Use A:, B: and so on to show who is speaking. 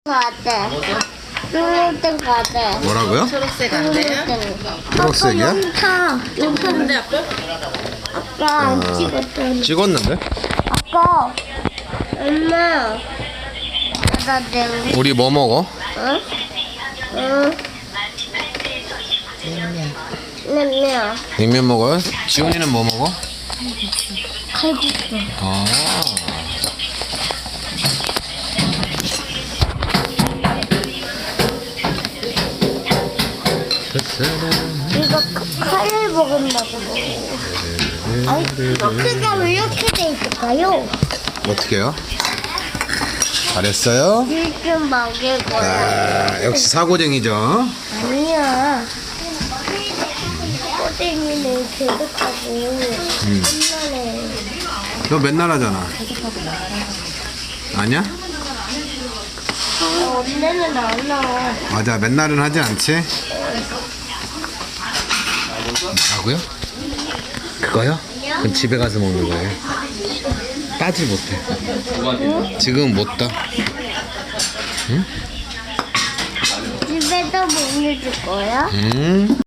A: 같아. 초록색 같아.
B: 뭐라고요?
C: 초록색 안 돼요?
B: 초록색이야?
A: 용타.
C: 근데 아빠?
A: 아빠 안 찍었잖아.
B: 찍었는데?
A: 아빠. 엄마. 나 내가.
B: 우리 뭐 먹어?
A: 응? 응. 냉면.
B: 냉면 먹어요? 지훈이는 뭐 먹어?
A: 칼국수.
B: 아.
A: 이거 칼을 먹은다고. 아니, 크기가 왜 이렇게 돼 있을까요?
B: 어떻게요? 잘했어요?
A: 일좀 먹일 거야.
B: 아, 역시 사고쟁이죠.
A: 아니야. 꼬댕이는 계속하고 옛날에
B: 너 맨날 하잖아. 아니야?
A: 언제는 안 나와.
B: 맞아, 맨날은 하지 않지? 뭐라고요? 그거요? 그건 집에 가서 먹는 거예요. 따지 못해. 지금 못 따. 응?
A: 집에도 못 해줄 거야?
B: 음.